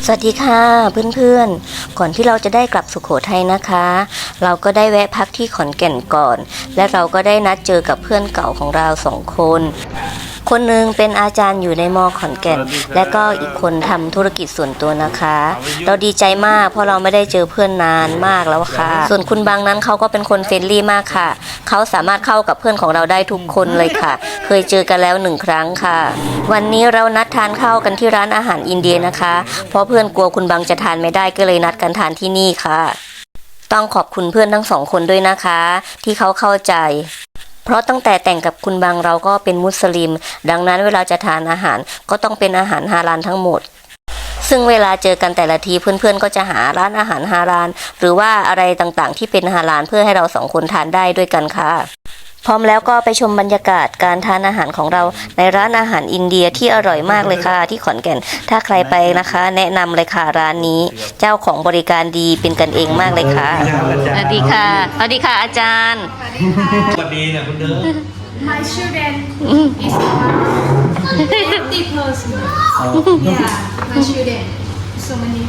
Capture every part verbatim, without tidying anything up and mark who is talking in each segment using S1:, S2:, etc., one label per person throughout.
S1: สวัสดีค่ะเพื่อนๆก่อนที่เราจะได้กลับสุโขทัยนะคะเราก็ได้แวะพักที่ขอนแก่นก่อนและเราก็ได้นัดเจอกับเพื่อนเก่าของเราสองคนคนหนึ่งเป็นอาจารย์อยู่ในมอขอนแก่นและก็อีกคนทำธุรกิจส่วนตัวนะคะเราดีใจมากเพราะเราไม่ได้เจอเพื่อนนานมากแล้วค่ะส่วนคุณบางนั้นเขาก็เป็นคนเฟรนลี่มากค่ะเขาสามารถเข้ากับเพื่อนของเราได้ทุกคนเลยค่ะเคยเจอกันแล้วหนึ่งครั้งค่ะวันนี้เรานัดทานข้าวกันที่ร้านอาหารอินเดียนะคะเพราะเพื่อนกลัวคุณบางจะทานไม่ได้ก็เลยนัดกันทานที่นี่ค่ะต้องขอบคุณเพื่อนทั้งสองคนด้วยนะคะที่เขาเข้าใจเพราะตั้งแต่แต่งกับคุณบางเราก็เป็นมุสลิมดังนั้นเวลาจะทานอาหารก็ต้องเป็นอาหารฮาลาลทั้งหมดซึ่งเวลาเจอกันแต่ละทีเพื่อนๆก็จะหาร้านอาหารฮาลาลหรือว่าอะไรต่างๆที่เป็นฮาลาลเพื่อให้เราสองคนทานได้ด้วยกันค่ะพร้อมแล้วก็ไปชมบรรยากาศการทานอาหารของเราในร้านอาหารอินเดียที่อร่อยมากเลยค่ะที่ขอนแก่นถ้าใครไปนะคะแนะนำเลยค่ะร้านนี้เจ้าของบริการดีเป็นกันเองมากเลยค่ะสวัสดีค่ะสวัสดีค่ะอาจารย์
S2: สวัสดีนะคุณเด้อ
S3: My student is fifty person. Yeah, my student. So many.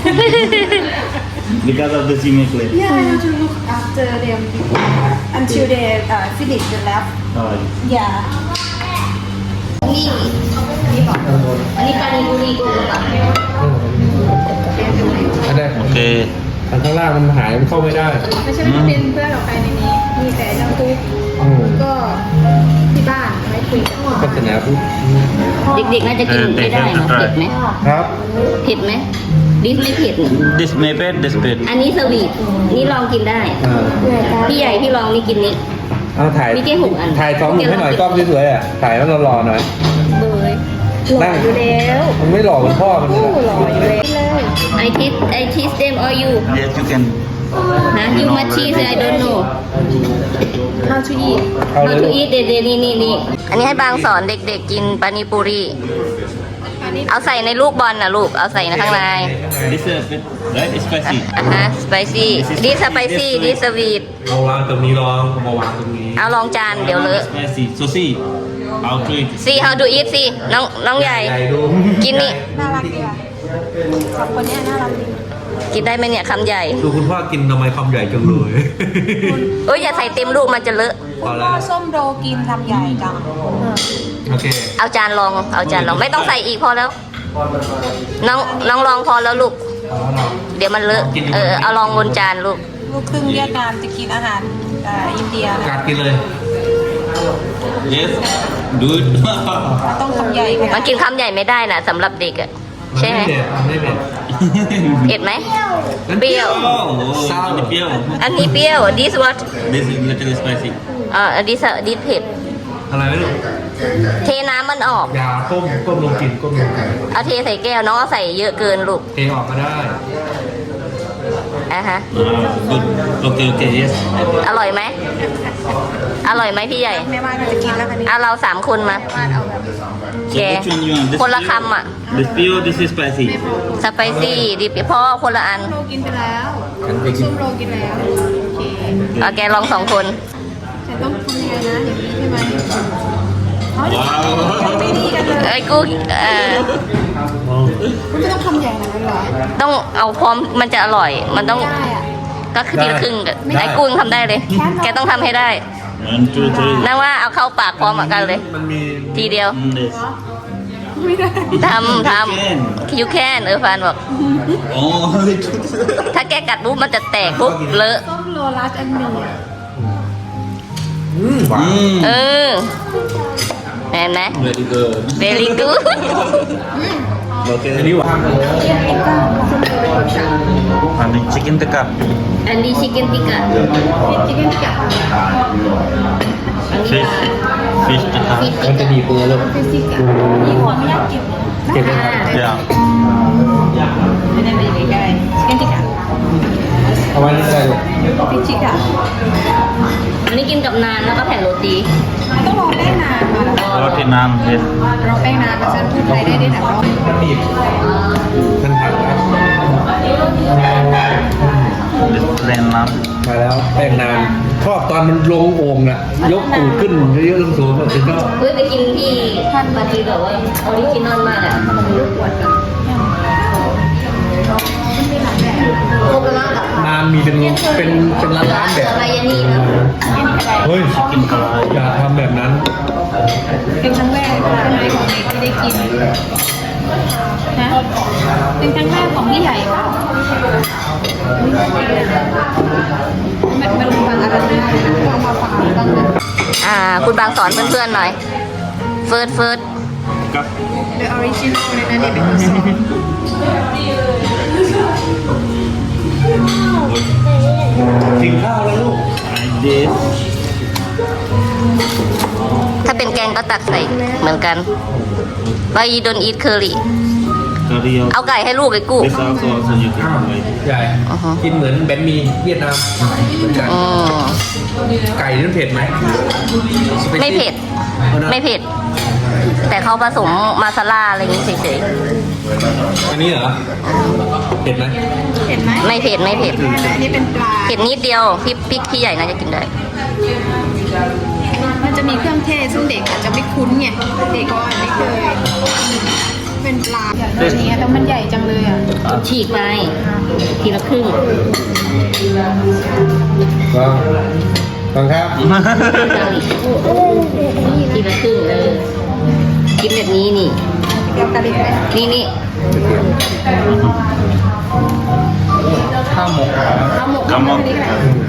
S2: because of the Gmail clip
S3: Yeah, I have to look after them until they uh, finish the lab.
S2: oh
S3: Yeah.
S1: นี่อันนี้ปานิปุรีกุ้งป่ะ
S4: อันนี้
S2: โอเค
S4: อันข้างล่างมันหายมันเข้าไม่ได้
S3: ไม่ใช่ว่าเป็นเพื่อนเราไปในนี้ มีแต่น้องตุ๊กก็ที่บ้านไว้คุยกัน
S4: พัฒนาพุทธ
S1: เด็กๆน่าจะกินไม่ได้เนาะเผ็ดไหม
S4: ครับ
S1: เผ็ดไหมดิสไม่เผ็ด
S2: this may bad this bad
S1: อันนี้สวีทนี่ลองกินได้
S4: อ่า
S1: พี่ใหญ่พี่ลองนี่กินนี้
S4: เอาถ่าย
S1: มีแค่หกอัน
S4: ถ่ายสองหนุ่มให้หน่อยกล้องสวยๆอ่ะถ่ายแล้วรอๆหน่อย
S1: เบยหล่ออยู่แล้ว
S4: มันไม่หล่อเหมือนพ่อมันเลย
S1: หล่ออยู่แล้วเลยไอทิสไอทิสเดมออยู
S2: yes you can
S1: นะยูมาชีสไอโดนโน
S3: How to eat
S4: เอา
S1: how
S4: เลย
S1: to
S4: ลูก
S1: eat เด็ดๆนี่นี่นี่อันนี้ให้บางสอนเด็กๆกินปานิปุรีเอาใส่ในลูกบอลนะลูกเอาใส่ในข้างใน
S2: this is bit right it's spicy
S1: อ่ะฮะสไปซี่ดิสไปซี่ดิสวีท
S4: เอาวางตรงนี้ลองมาวางตรงนี้
S1: เอาลองจานเดี๋ยวเลอะ
S2: spicy so see how to eat
S1: ซี how to eat สิน้องน้องใหญ่
S4: ใหญ่ดู
S1: กินนี่
S3: น่ารักดีอ่ะสองคนเนี้ยน่ารักดี
S1: กินได้ไหมเนี่ยคำใหญ่
S4: ดูคุณพ่อกินทำไมคำใหญ่จังเลย
S1: เอ้ยอย่าใส่เต็มลูกมันจะเลอะ
S4: พอ
S3: พ่
S4: แล้
S3: อ
S4: ว
S3: ส้มโรกินลำใหญ่จัง
S4: โอเค
S1: เอาจานลองเอาจานลองไม่ต้องใส่อีกพอแล้ว น้องน้องลองพอแล้วลูก
S4: พอแล้วเนาะ
S1: เดี๋ยวมันเลอะเออเอาลองบนจานลูก
S3: ลูกครึ่งเวียดนามจะกินอาหารอ่าอินเดีย
S4: กัดกินเลย
S2: yes do it
S3: ต้องคำใหญ่ข
S1: มั
S3: นาด
S1: นกินคำใหญ่ไม่ได้นะสำหรับเด็กอะใช่ไหม
S4: นไม่เผ็ดมันไม่เผ็ด
S1: เผ็ดไหมเปรี้ยว
S2: oh ini pio
S1: อันนี้เปรี้ยว this what
S2: this is little spicy
S1: เอ่อ this this เผ็ด
S4: อะไรไม่รู้
S1: เทน้ำมันออก
S4: ยาต้มก้มลงกินก้มลงกิน
S1: เอาเทใส่แก้วน้องเอาใส่เยอะเกินลูก
S4: เทออกก็ได้
S1: อ่ะฮะ
S2: ah good okay okay yes
S1: อร่อยไหมอร่อยไหมพี่ใหญ่
S3: แม่บ้านก็จะกินแล้วคันนี้
S1: อ่ะเราสามคนมา
S3: บ้านเอาแบบ
S2: so
S1: แก
S2: which one you want this
S1: คนละ
S2: pio?
S1: คำอ่ะ
S2: this pio this is spicy
S1: สไปซี่ดิบพ่อคนละอัน
S3: โรกินไปแล้ว
S4: ฉันไปกิน
S3: ส้มโรกินแล้วโอเค
S1: เอาแกลองสองคน
S3: ฉันต้องทำยังไงนะอย่างนี้ใช่ไหมอ๋อ
S2: ว้าว
S3: ไม่ดีกันเลย
S1: เอ้ยกูเอ่อ
S3: คุณไม่ต้องคำใหญ่ขนาดนั้นเหรอ
S1: ต้องเอาพร้อมมันจะอร่อย มันต้อง
S3: ได้อะ
S1: ก็คือทีละครึ่งไอ้กุ้งทำได้เลย แกต้องทำให้ได้
S2: one two three
S1: นั่นว่าเอาเข้าปากพร้อมกันเลย
S4: มันมี
S1: ทีเดียว
S2: Mm, this
S3: ไม่ได้
S1: ทำทำ you can เออฟานบอก
S2: oh
S1: ถ้าแกกัดปุ๊บมันจะแตกปุ๊บเลอะ
S3: ส้มโรลัสอันหนึ่ง
S4: อืมหวาน
S2: mm.
S1: เออเห็นไหม
S2: very good
S1: very good
S2: okay
S4: อันนี้หวานเลย
S2: and chicken tikka
S1: อันนี้ชิคเก้นติกะ
S3: ชิคเก้นกับ
S1: อันนี้
S2: fish fish tikka
S4: มันจะดีเปื่อยเลย
S3: ฟิสิกส์นี่ขอไม่อยากเก็บ
S4: เก็บไว้ทาน
S2: yeah
S1: ไม่ได้ไปใกล้
S3: ชิคเก้นติกะ
S4: เอาไว้นี่ได้ลูก
S3: ฟิชิกะ
S1: ๆอันนี้กินกับนานแล้วก็แผ่นโรตี
S3: มันต้องรอแป้งนานมาแล้ว
S2: roti naan yes
S3: รอแป้งนานแล้วฉันพูดไทยได้ด้วยนะรอ
S4: มันบีบท่านผักนะ
S2: this plain naan
S4: มาแล้วแป้งนานชอบตอนมันลงโอ่งน่ะยกตูดขึ้นเยอะๆสูงๆถึงก็
S1: เฮ้ยไปกินที่ท่านปาร์ตี้แบบว่าออริจินอลมากอ่ะมันรู้ปวดอ่ะ
S4: นานมีเป็นเป็นเป็นร้านร้านๆแบบ
S1: อะไรอย่างนี้นะ
S4: เฮ้ย
S2: กินกระไร
S4: อย่าทำแบบนั้น
S3: เป็นครั้งแรกใช่ไหมของเด็กที่ได้กินนะเป็นครั้งแรกของพี่ใหญ่เปล่ามันมันมันอะไรนะเอามาฝากกันนะ
S1: อ่า คุณบางสอนเพื่อนๆหน่อยเฟิร์สเฟิร์ส
S2: กับ
S3: The original เลยนะนี่เป็นคนสอน
S4: กินข้าวแล้วลูก
S2: เดส
S1: ถ้าเป็นแกงก็ตักใส่เหมือนกัน Why you don't eat curry
S2: กระเรียว
S1: เอาไก่ให้ลูกเลยกู
S2: เบสซาซอสยูกินอะไร
S4: ใหญ่
S1: อือฮะ
S4: กินเหมือนแบนหมีเวียดนามเหมือนกัน
S1: อืม
S4: ไก่นี่มันเผ็ดไหม
S1: ไม่เผ็ด ไม่เผ็ด แต่เขาผสมมาซาล่าอะไรอย่างนี้เฉย
S4: อันนี้เหรอเผ็ดไหม
S3: เห็นไหม
S1: ๆ ไม่เผ็ดไม่เผ็ด
S3: อันนี้เป็นปลา
S1: เผ็ดนิดเดียวพี่พี่พี่ใหญ่น่าจะกินได้
S3: มันจะมีเครื่องเทศซึ่งเด็กอาจจะไม่คุ้นไงเด็กก็อาจไม่เคยเป็นปลาอย่างนี้แล้วมันใหญ่จังเลยอ่ะ
S1: ฉีกไปทีละครึ่ง
S4: ก็ฟังครับ
S1: ทีละครึ่งเออกินแบบนี้นี่
S3: เราตะลิดไหม
S1: นี่นี่
S2: ข้าวหมก
S3: ข้าวหมก
S2: ข้าวหมก
S3: อันนี้ก็ได้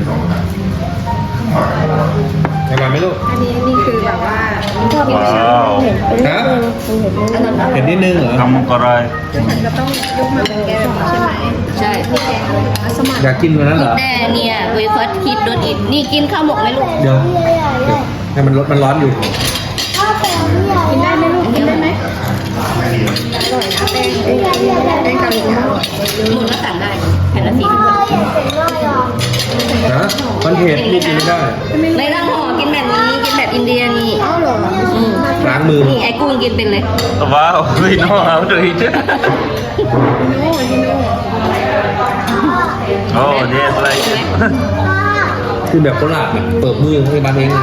S4: อร่อยไหมลูก
S3: อันนี้นี่คือแบบว่า
S2: ว้าว
S4: ฮะเผ็ดนิดนึงเหรอ
S2: ข้าวหมกกระไร
S3: คือฉันจะต้องยกมาเป็นแกงใช่ไหม
S1: ใช่
S3: พี่แกงมัสมั่น
S4: อยากกินวันนั้นเหรอ
S1: แน่เนี่ยเวฟอสคิดโดนอิดนี่กินข้าวหมกไหมลูก
S4: เดี๋ยวเดี๋ยวให้มันรสมันร้อนอยู่
S3: กินได้ไหมลูกกินได้ไหมอร่อยนะแป้งแป้งแป้งกะหรี่ปั๊บ
S1: หมุนก็สั่งได้แผ่นละสี่สิบบาท
S4: นะมันเผ็ดลูกกินไม่ได้
S1: ไม่ต้องห่อกินแบบนี้กินแบบอินเดียนี่
S3: อ้าวเหรอ
S1: อืม
S4: ล้างมือ
S1: นี่ไอ้กุ้งกินเป็นเลย
S2: ว้าว we know how to eat it
S3: โน่ที่โน่
S2: oh yes like
S4: คือแบบโคราชอะเปิดมือให้บ้านเอง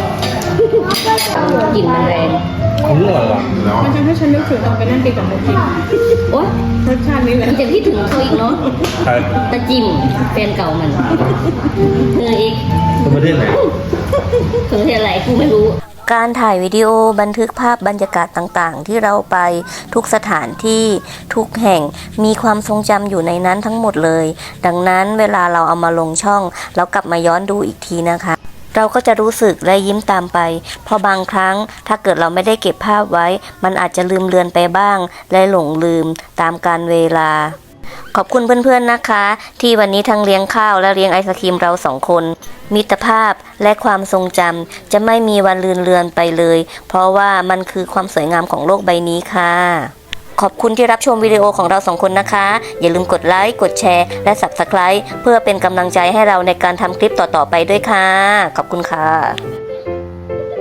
S1: กลิ่นมันแรง
S4: อืมอร่อยว่ะ
S3: มันทำให้ฉันนึกถึงตอนไปนั่งกินกับโมจิม
S1: โอ๊ย
S3: รสชาตินี้เลย
S1: มันจะคิดถึงเขาอีกเนาะ
S2: ใคร
S1: ตะจิมแฟนเก่ามันเธออีก
S4: คนประเทศไหน
S1: เธอเห็นอะไรกูไม่รู้ การถ่ายวิดีโอบันทึกภาพบรรยากาศต่างๆ ที่เราไปทุกสถานที่ทุกแห่งมีความทรงจำอยู่ในนั้นทั้งหมดเลย ดังนั้นเวลาเราเอามาลงช่องเรากลับมาย้อนดูอีกทีนะคะ เราก็จะรู้สึกและยิ้มตามไป เพราะบางครั้งถ้าเกิดเราไม่ได้เก็บภาพไว้ มันอาจจะลืมเลือนไปบ้าง และหลงลืมตามกาลเวลา ขอบคุณเพื่อนๆนะคะ ที่วันนี้ทั้งเลี้ยงข้าวและเลี้ยงไอศครีมเราสองคน มิตรภาพและความทรงจำจะไม่มีวันลืมเลือนไปเลย เพราะว่ามันคือความสวยงามของโลกใบนี้ค่ะ ขอบคุณที่รับชมวิดีโอของเราสองคนนะคะ อย่าลืมกดไลค์กดแชร์และ Subscribe เพื่อเป็นกำลังใจให้เราในการทำคลิปต่อๆไปด้วยค่ะ ขอบคุณค่ะ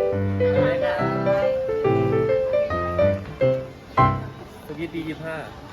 S4: ยี่สิบห้า